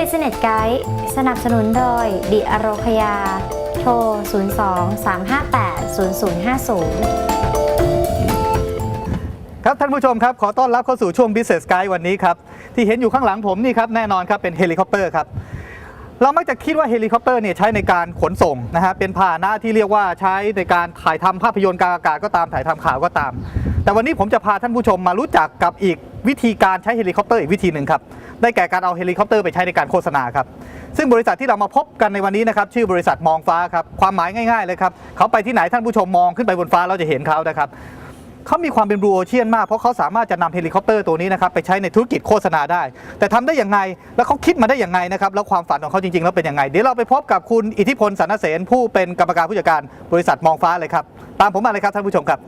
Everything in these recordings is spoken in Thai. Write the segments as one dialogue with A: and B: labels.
A: Business Guide สนับสนุนโดยดิอโรคยาโทร 02-358-0050
B: ครับท่านผู้ชมครับขอต้อนรับเข้าสู่ช่วง Business Guide วันนี้ครับที่เห็นอยู่ข้างหลังผมนี่ครับแน่นอนครับเป็นเฮลิคอปเตอร์ครับเรามักจะคิดว่าเฮลิคอปเตอร์เนี่ยใช้ในการขนส่งนะฮะเป็นพาหนะที่เรียกว่าใช้ในการถ่ายทำภาพยนตร์กลางอากาศก็ตามถ่ายทำข่าวก็ตามแต่วันนี้ผมจะพาท่านผู้ชมมารู้จักกับอีกวิธีการใช้เฮลิคอปเตอร์อีกวิธีหนึ่งครับได้แก่การเอาเฮลิคอปเตอร์ไปใช้ในการโฆษณาครับซึ่งบริษัทที่เรามาพบกันในวันนี้นะครับชื่อบริษัทมองฟ้าครับความหมายง่ายๆเลยครับเขาไปที่ไหนท่านผู้ชมมองขึ้นไปบนฟ้าเราจะเห็นเขานะครับเขามีความเป็นบลูโอเชียนมากเพราะเขาสามารถจะนำเฮลิคอปเตอร์ตัวนี้นะครับไปใช้ในธุรกิจโฆษณาได้แต่ทำได้อย่างไรแล้วเขาคิดมาได้อย่างไรนะครับแล้วความฝันของเขาจริงๆแล้วเป็นยังไงเดี๋ยวเราไปพบกับคุณอิทธิพลสรรเสนผู้เป็นกรรมการผู้จัดการบริษัทมองฟ้าเลยครับตามผมมาเลยครับท่านผู้ชมครับ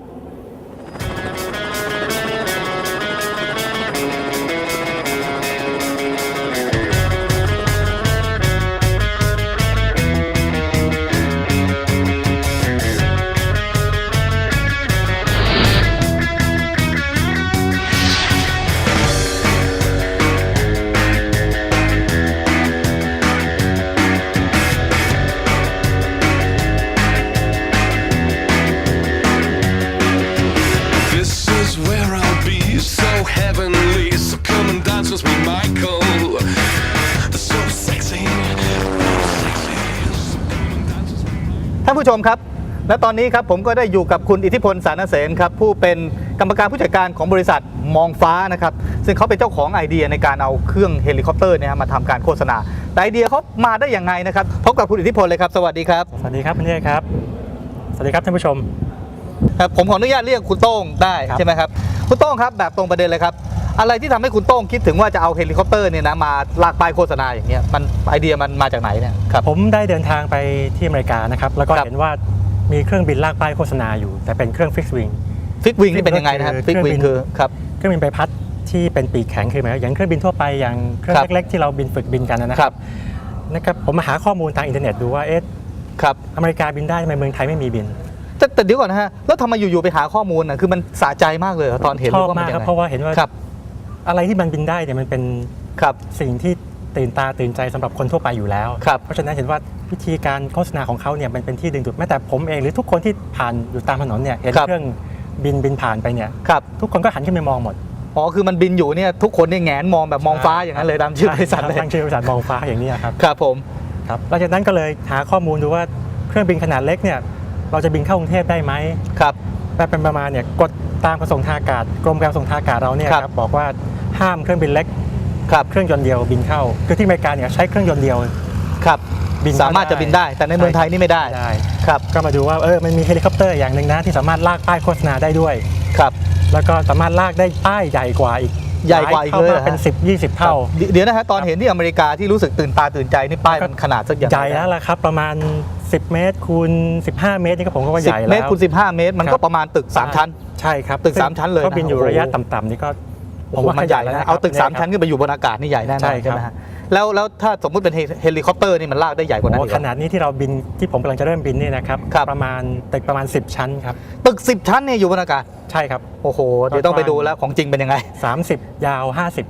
B: ท่านผู้ชมครับและตอนนี้ครับผมก็ได้อยู่กับคุณอิทธิพลสรรเสนครับผู้เป็นกรรมการผู้จัดการของบริษัทมองฟ้านะครับซึ่งเขาเป็นเจ้าของไอเดียในการเอาเครื่องเฮลิคอปเตอร์เนี่ยมาทำการโฆษณาแต่ไอเดียเขามาได้อย่างไงนะครับพบกับคุณอิทธิพลเลยครับสวัสดีครับ
C: สวัสดีครับคุณเทพครับสวัสดีครับท่านผู้ชม
B: ครับผมขออนุญาตเรียกคุณโต้งได้ใช่ไหมครับคุณโต้งครับแบบตรงประเด็นเลยครับอะไรที่ทำให้คุณโต้งคิดถึงว่าจะเอาเฮลิคอปเตอร์เนี่ยนะมาลากป้ายโฆษณาอย่างเงี้ยมันไอเดียมันมาจากไหนเนี่ยครับ
C: ผมได้เดินทางไปที่อเมริกานะครับแล้วก็เห็นว่ามีเครื่องบินลากป้ายโฆษณาอยู่แต่เป็นเครื่องฟิกซ์วิง
B: นี่เป็นยังไงนะครับฟิกซ์วิงคือครับ
C: เครื่องบินใบพัดที่เป็นปีกแข็งคือหมายอย่างเครื่องบินทั่วไปอย่างเครื่องเล็กๆที่เราบินฝึกบินกันนะครับผมมาหาข้อมูลทางอินเทอร์เน็ตดูว่า
B: ครับ
C: อเมริกาบินได้ทำไมเมืองไทยไม่มีบิน
B: แต่เดี๋ยวก่อนนะฮะแล้วทำไมอยู่ๆไปหาข้อมูลนะคือมันสะใจมากเลยตอนเห็น
C: ชอบมากครับเพราะว่าเห็นว่าอะไรที่มันบินได้เนี่ยมันเป็นสิ่งที่ตื่นตาตื่นใจสำหรับคนทั่วไปอยู่แล้วเพราะฉะนั้นเห็นว่าวิธีการโฆษณาของเขาเนี่ยมันเป็นที่ดึงดูดแม้แต่ผมเองหรือทุกคนที่ผ่านอยู่ตามถนนเนี่ยเห็นเครื่องบินผ่านไปเนี่ยทุกคนก็หันขึ้นไปมองหมด
B: อ๋อคือมันบินอยู่เนี่ยทุกคนเนี่ยแงนมองแบบมองฟ้าอย่างนั้นเลยตามชื่อบริษัทเลย
C: ตั้งชื่อบริษัทมองฟ้าอย่างนี้ครับ
B: ครับผม
C: ครับหลังจากนั้นก็เลยหาข้อมูลดูว่าเครื่องบินขนาดเล็กเนี่ยเราจะบินเข้ากรุงเทพได้ไหม
B: ครับ
C: แต่เป็นประมาณเนี่ยกฎตามกระทรวงทางอากาศกรมการขนส่งทางอากาศเราเนี่ยครับบอกว่าห้ามเครื่องบินเล็กเครื่องยนต์เดียวบินเข้าคือที่อเมริกาเนี่ยใช้เครื่องยนต์เดียว
B: ครับสามารถจะบินได้แต่ในเมืองไทยนี่ไม่ได้ครับ
C: ก็มาดูว่ามันมีเฮลิคอปเตอร์อย่างหนึ่งนะที่สามารถลากป้ายโฆษณาได้ด้วย
B: ครับ
C: แล้วก็สามารถลากได้ป้ายใหญ่กว่าอีกเลยเป็น10-20 เท่า
B: เดี๋ยวนะฮะตอนเห็นที่อเมริกาที่รู้สึกตื่นตาตื่นใจนี่ป้ายมันขนาดสักอย่าง
C: ใหญ่แล้วล่ะครับประมาณ10 เมตรคูณ15 เมตรนี่ก็ผมก็ว่าใหญ่แล้ว
B: 10 เมตรคูณ15 เมตรมันก็ประมาณตึก3ชั้น
C: ใช่ครับ
B: ตึก3ชั้นเลย
C: ก็บินอยู่ระยะต่ำๆนี่ก็
B: ผมว่ามันใหญ่แล้วเอาตึก3ชั้นขึ้นไปอยู่บนอากาศนี่ใหญ่แน่นอนใช่ไหมฮะแล้วถ้าสมมุติเป็นเฮลิคอปเตอร์นี่มันลากได้ใหญ่กว่านั้น
C: ขนาดนี้ที่เราบินที่ผมกำลังจะเริ่มบินนี่นะครับประมาณตึกประมาณ10 ชั้นครับ
B: ตึก10 ชั้นเนี่ยอยู่บนอากาศ
C: ใช่ครับ
B: โอ้โหเดี๋ยวต้องไปดูแล้วของจริงเป็นยังไง
C: 30ยาว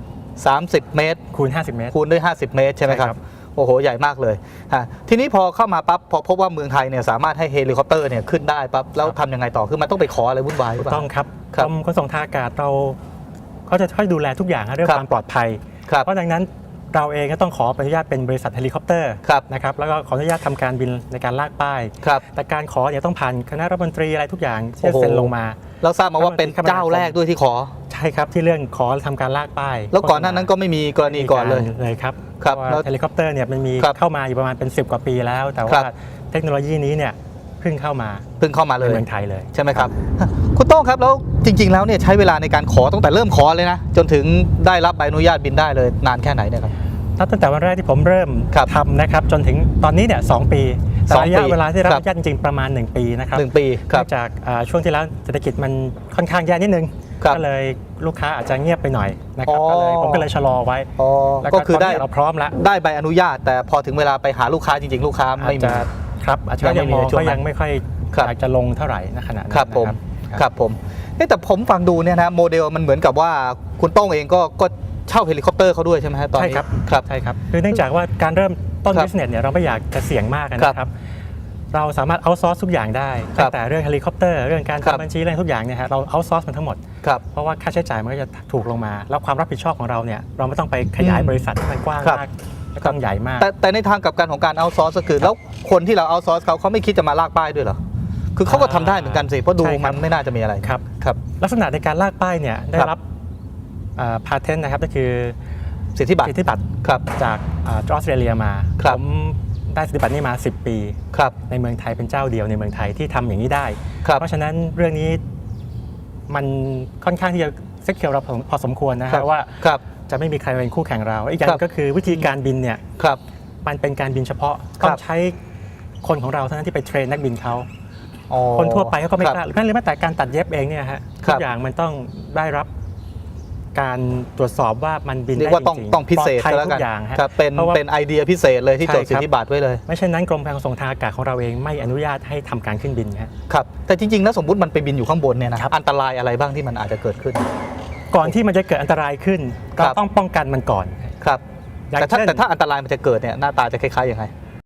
B: 30 เมตร
C: คูณ50 เมตร
B: คูณด้วย50 เมตรใช่ไหมครับโอ้โหใหญ่มากเลยทีนี้พอเข้ามาปั๊บพอพบว่าเมืองไทยเนี่ยสามารถให้เฮลิคอปเตอร์เนี่ยขึ้นได้ปั๊บแล้วทำยังไงต่อคือมันต้องไปขออะไรวุ่นวายหรือเปล่า
C: ต้องครับกรมขนส่งทางอากาศเขาจะช่วยดูแลทุกอย่างเรื่องความปลอดภัยเพราะดังนั้นเราเองก็ต้องขออนุญาตเป็นบริษัทเฮลิคอปเตอร์นะครับแล้วก็ขออนุญาตทำการบินในการลากป้ายแต่การขอเนี่ยต้องผ่านคณะรัฐมนตรีอะไรทุกอย่างที่เซ็นลงมา
B: เราทราบมาว่าเป็นเจ้าแรกด้วยที่ขอ
C: ใช่ครับที่เรื่องขอทำการลากป้าย
B: แล้วก่อนหน้านั้นก็ไม่มีกรณีก่อน
C: เลยครับเฮลิคอปเตอร์เนี่ยมันมีเข้ามาอยู่ประมาณเป็น10 กว่าปีแล้วแต่ว่าเทคโนโลยีนี้เนี่ยเพิ่งเข้ามาเลย
B: เมื
C: องไทยเลย
B: ใช่ไหมครับคุณโต้งครับแล้วจริงๆแล้วเนี่ยใช้เวลาในการขอตั้งแต่เริ่มขอเลยนะจนถึงได้รับใบอนุญาตบินได้เลยนานแค่ไหนเนี่ยครับ
C: ตั้งแต่วันแรกที่ผมเริ่มทำนะครับจนถึงตอนนี้เนี่ย2 ปีแต่ระยะเวลาที่รับอนุญาตจริงๆประมาณ1 ปีนะครับ
B: 1 ปี
C: เนื่องจากช่วงที่แล้วเศรษฐกิจมันค่อนข้างแย่นิดนึงก็เลยลูกค้าอาจจะเงียบไปหน่อยนะครับผมก็เลยชะลอไว้
B: ก็คือได้
C: เราพร้อมแล้ว
B: ได้ใบอนุญาตแต่พอถึงเวลาไปหาลูกค้าจริงๆลูกค้าไม่มี
C: ครับอาจจะยังไม่ค่อยอยากจะลงเท่าไหร่ในขณะนั้น
B: ครับผมแต่ผมฟังดูเนี่ยนะโมเดลมันเหมือนกับว่าคุณโต้งเองก็เช่าเฮลิคอปเตอร์เขาด้วยใช่ไหมฮะตอนนี้
C: ใช่ครับ
B: ครับ
C: ใช่ครับคือเนื่องจากว่าการเริ่มต้น
B: ครับ
C: business เนี่ยเราไม่อยากจะเสี่ยงมากนะครับเราสามารถเอาซอร์สทุกอย่างได้
B: ครับ
C: ตั้งแต่เรื่องเฮลิคอปเตอร์เรื่องการ
B: ครับ
C: ทำบัญชีเรื่องทุกอย่างเนี่ยฮะเราเอาซอร์สมันทั้งหมด
B: ครับ
C: เพราะว่าค่าใช้จ่ายมันก็จะถูกลงมา แล้วความรับผิดชอบของเราเนี่ยเราไม่ต้องไปขยาย
B: อืม
C: บริษัทให้มันกว้าง
B: ครับ
C: มากไม่ต้องใหญ่มาก
B: แต่ในทางกลับกันของการเอาซอร์สก็คือแล้วคนที่เราเอาซอร์สเขาไม่คิดจะมาลากป้ายด้วยเหรอคือเขาก็ทำได้เหมือนกันสิเพราะดู
C: ใช่ครั
B: มั
C: บ
B: นไม่น่าจะมีอะไร
C: ครับ
B: ครับ
C: ลักษณะในการลากป้ายเนี่ยได้
B: ครับ
C: รับพาเทนต์นะครับก็คือ
B: สิทธิบัตร
C: สิทธิบัตร
B: ครับ
C: จากออสเตรเลียมา
B: ครับ
C: ผมได้สิทธิบัตรนี้มา 10 ปี
B: ครับ
C: ในเมืองไทยเป็นเจ้าเดียวในเมืองไทยที่ทำอย่างนี้ได้
B: ครับ
C: เพราะฉะนั้นเรื่องนี้มันค่อนข้างที่จะเซ็กเคียวเราพอสมควรนะ
B: ครั
C: ฮะ
B: บ
C: ว่า
B: ครับ
C: จะไม่มีใครมาเป็นคู่แข่งเราอีกอย่าง
B: ครับ
C: ก็คือวิธีการบินเนี่ย
B: ครับ
C: มันเป็นการบินเฉพาะ
B: ครับ
C: ต้องใช้คนของเราเท่านั้นที่ไปเทรนนักบินเขา
B: อ๋อ
C: คนทั่วไปเขาก็ไม่
B: ครับ
C: กล้าแม้แต่การตัดเย็บเองเนี่ยฮะ
B: ครั
C: ทุ
B: บ
C: กอย่างมันต้องได้รับการตรวจสอบว่ามันบิน
B: เรีย
C: ได้
B: กว่า
C: จ
B: ต้อง
C: ริงๆ
B: ต้องพิเศษ
C: ปลอดภัย
B: ก็แล้ว
C: ทุ
B: กัน
C: กอย่างฮะ
B: ครับเป็น
C: พราะว่า
B: เป็นไอเดียพิเศษเลยที่
C: ใช่
B: จดสิท
C: ครับ
B: ธิบัตรไว้เลย
C: ไม่เช่นนั้นกรมการขนส่งทางอากาศของเราเองไม่อนุญาตให้ทำการขึ้นบินฮะ
B: ครับแต่จริงๆแล้วสมมติมันไปบินอยู่ข้างบนเนี่ยนะครับ อันตรายอะไรบ้างที่มันอาจจะเกิดขึ้น
C: ก่อนที่มันจะเกิดอันตรายขึ้น
B: ครั
C: เรา
B: บ
C: ต้องป้องกันมันก่อน
B: ครับ
C: อย่าง
B: แต่ถ้า
C: เช่น
B: แต่ถ้าอันตรายมันจะเกิดเนี่ยหน้าตาจะคล้ายๆยังไง